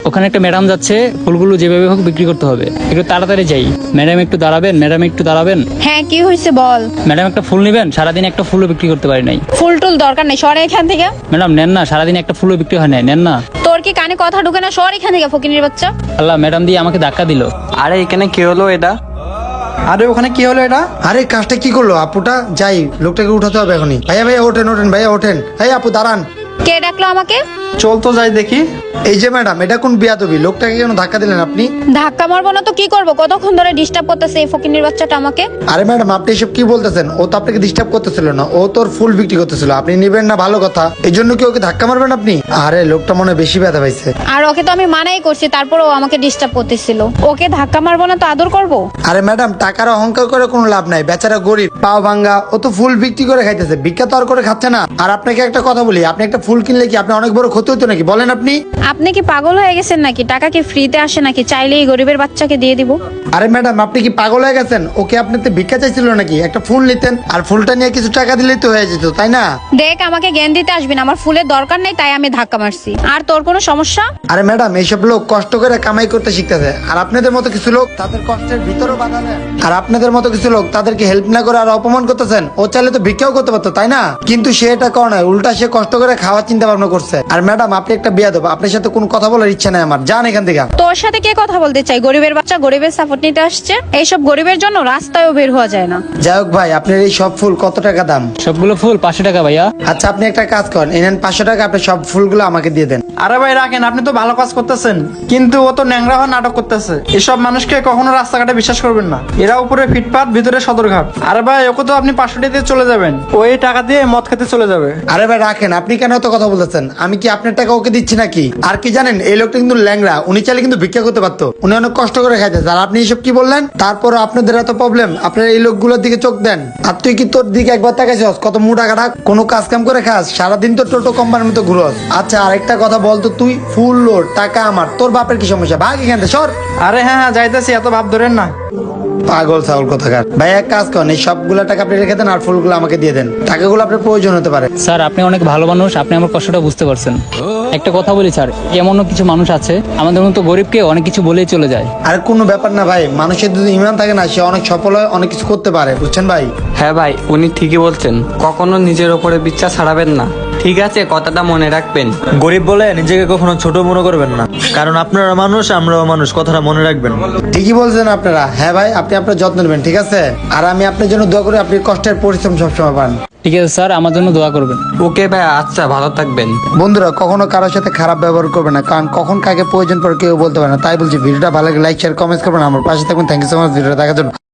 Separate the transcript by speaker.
Speaker 1: ওখানে একটা ম্যাডাম যাচ্ছে, ফুলগুলো যেভাবে হোক বিক্রি করতে হবে, একটু তাড়াতাড়ি যাই। ম্যাডাম একটু দাঁড়াবেন, ম্যাডাম একটু দাঁড়াবেন।
Speaker 2: হ্যাঁ, কি হয়েছে বল।
Speaker 1: ম্যাডাম একটা ফুল নেবেন, সারাদিন একটা ফুলও বিক্রি করতে পারি নাই।
Speaker 2: ফুল টুল দরকার নেই, সরে এখান থেকে।
Speaker 1: ম্যাডাম নেন না, সারাদিন একটা ফুলও বিক্রি হয় নাই, নেন না।
Speaker 2: তোর কি কানে কথা ঢুকে না? সর এখান থেকে ফকিনীর বাচ্চা।
Speaker 1: আল্লাহ, ম্যাডাম দিয়ে আমাকে ধাক্কা দিল।
Speaker 3: আরে এখানে কি হলো এটা?
Speaker 4: আরে ওখানে কি হলো এটা? আরে কাজটা কি করলো আপুটা? যাই, লোকটাকে উঠাতে হবে এখনই। ভাইয়া ভাইয়া ওঠেন ওঠেন, ভাইয়া ওঠেন। এই আপু দাঁড়ান।
Speaker 2: কে ডাকলো আমাকে?
Speaker 4: চল তো যাই দেখি। এই যে ম্যাডাম, এটা কোন বিয়াদবি? লোকটাকে কেন ধাক্কা দিলেন আপনি?
Speaker 2: ধাক্কা মারবো না তো কি করবো? কতক্ষণ ধরে ডিস্টার্ব করতেছে এই ফকিনীর বাচ্চাটা আমাকে।
Speaker 4: আরে ম্যাডাম, আপনি এসব কি বলতেছেন? ও তো আপনাকে ডিস্টার্ব করতেছিল না, ও তোর ফুল বিক্রি করতেছিল। আপনি নিবেন না, ভালো কথা। এই জন্য কি ওকে ধাক্কা মারবেন আপনি? আরে লোকটা মনে হয় বেশি ব্যথা পাইছে।
Speaker 2: আর ওকে তো আমি মানাই করছি, তারপরও আমাকে ডিস্টার্ব করতেছিল। ওকে ধাক্কা মারবো না তো আদর করবো?
Speaker 4: আরে ম্যাডাম, টাকার অহংকার করে কোনো লাভ নাই। বেচারা গরিব, পাও ভাঙ্গা। ও তো ফুল বিক্রি করে খাইতেছে, ভিক্ষা তো আর করে খাচ্ছে না। আর আপনাকে একটা কথা বলি, আপনি একটা ফুল কিনলে কি আপনি অনেক বড় ক্ষতি হতো নাকি? বলেন আপনি।
Speaker 2: আপনি কি পাগল হয়ে গেছেন নাকি? টাকা কি ফ্রিতে আসে নাকি? চাইলেই গরিবের বাচ্চাকে দিয়ে দিব?
Speaker 4: আরে ম্যাডাম, আপনি কি পাগল হয়ে গেছেন? ওকে আপনাতে ভিক্ষা চাইছিল নাকি? একটা ফুল নিতেন, আর ফুলটা নিয়ে কিছু টাকা দিলেই তো হয়ে যেত, তাই না?
Speaker 2: দেখ, আমাকে জ্ঞান দিতে আসবি না। আমার ফুলের দরকার নেই, তাই আমি ধাক্কা মারছি। আর তোর কোনো সমস্যা?
Speaker 4: আরে ম্যাডাম, এইসব লোক কষ্ট করে কামাই করতে শিখতেছে, আর আপনাদের মতো কিছু লোক তাদের কষ্টের ভিতরও বাধা দেন। আর আপনাদের মতো কিছু লোক তাদেরকে হেল্প না করে আর অপমান করতেছেন। ও চাইলে তো ভিক্ষাও করতে পারতো, তাই না? কিন্তু সে এটা করে না, উল্টা সে কষ্ট করে খাওয়ার চিন্তা ভাবনা করছে। আর ম্যাডাম, আপনি একটা বিয়াদব, আপনার সাথে কোনো কথা বলার ইচ্ছা নাই আমার। যান এখান থেকে।
Speaker 2: তোর সাথে কে কথা বলতে চাই? গরিবের বাচ্চা গরিবের সাপোর্ট নিতে আসছে। এইসব গরিবের জন্য রাস্তায়ও বের হওয়া যায় না।
Speaker 4: যাই হোক ভাই, আপনার এই সব ফুল কত টাকা দাম?
Speaker 1: সবগুলো ফুল 500 টাকা ভাইয়া।
Speaker 4: আচ্ছা, আপনি একটা কাজ করেন, এনেন 500 টাকা, আপনি সব ফুলগুলো আমাকে দিয়ে দেন।
Speaker 5: আরে ভাই রাখেন, আপনি তো ভালো কাজ করতেছেন, কিন্তু ও তো ন্যাংরা হওয়ার নাটক করতেছে। এসব মানুষকে কখনো রাস্তাঘাটে বিশ্বাস করবেন না। এরা উপরে ফিটপাত, ভিতরে সদরঘাট। আরে ভাই, ওকে তো আপনি 500 টাকা দিয়ে চলে যাবেন, ও এই টাকা দিয়ে মদ খেতে চলে যাবে।
Speaker 4: আরে ভাই রাখেন, আপনি কেন এত কথা বলতেছেন? আমি কি আপনার টাকা ওকে দিচ্ছি নাকি? আর কি জানেন, এই লোকটা কিন্তু ল্যাংড়া, উনি চাইলে কিন্তু ভিক্ষা করতে পারতো। উনি অনেক কষ্ট করে খাইতেছে, আর আপনি এসব কি বললেন? তারপর আপনাদের এত প্রবলেম, আপনারা এই লোকগুলোর দিকে চোখ দেন। আর তুই কি তোর দিকে একবার তাকাইছস? কত মোটা কাটা, কোনো কাজ কাম করে খাস, সারাদিন তো টোটো কোম্পানির মতো ঘুরস। আচ্ছা, আরেকটা কথা বলতো, তুই ফুল লোড, টাকা আমার, তোর বাপের কি সমস্যা? ভাগ এখান থেকে, সর।
Speaker 5: আরে হ্যাঁ হ্যাঁ, যাইতেছি, এত ভাব ধরেন না।
Speaker 4: পাগল ছাগল কোথাকার। ভাই এক কাজ করেন, এই সবগুলো টাকা আপনি রেখে দেন, আর ফুলগুলো আমাকে দিয়ে দেন। টাকাগুলো আপনার প্রয়োজন হতে পারে।
Speaker 1: স্যার, আপনি অনেক ভালো মানুষ, আপনি আমার কষ্টটা বুঝতে পারছেন। একটা কথা বলি স্যার, এমনও কিছু মানুষ আছে আমাদের মতো গরিবকে অনেক কিছু বলেই চলে যায়।
Speaker 4: আর কোনো ব্যাপার না ভাই, মানুষের যদি ইমান থাকে না, সে অনেক সফল হয়, অনেক কিছু করতে পারে, বুঝছেন ভাই?
Speaker 3: হ্যাঁ ভাই, উনি ঠিকই বলছেন, কখনো নিজের ওপরে বিশ্বাস হারাবেন না। ঠিক আছে, কথাটা মনে রাখবেন।
Speaker 6: গরিব বলে নিজেকে কখনো ছোট মনে করবেন না, কারণ আপনারা মানুষ, আমরাও মানুষ, কথাটা মনে রাখবেন।
Speaker 4: ঠিকই বলছেন আপনারা। হ্যাঁ ভাই, আপনি আপনার যত্ন নেবেন, ঠিক আছে? আর আমি আপনার জন্য দোয়া করি, আপনি কষ্টের পরিশ্রম সবসময় পান।
Speaker 1: ঠিক আছে স্যার, আমার জন্য দোয়া করবেন।
Speaker 3: ওকে ভাই, আচ্ছা, ভালো থাকবেন।
Speaker 4: বন্ধুরা, কখনো কারোর সাথে খারাপ ব্যবহার করবে না, কারণ কখন কাকে প্রয়োজন পড়ে কেউ বলতে পারে না। তাই বলছি, ভিডিওটা ভালো লাগে লাইক শেয়ার কমেন্টস করবেন, আমার পাশে থাকবেন। থ্যাংক ইউ সো মাচ ভিডিওটা দেখার জন্য।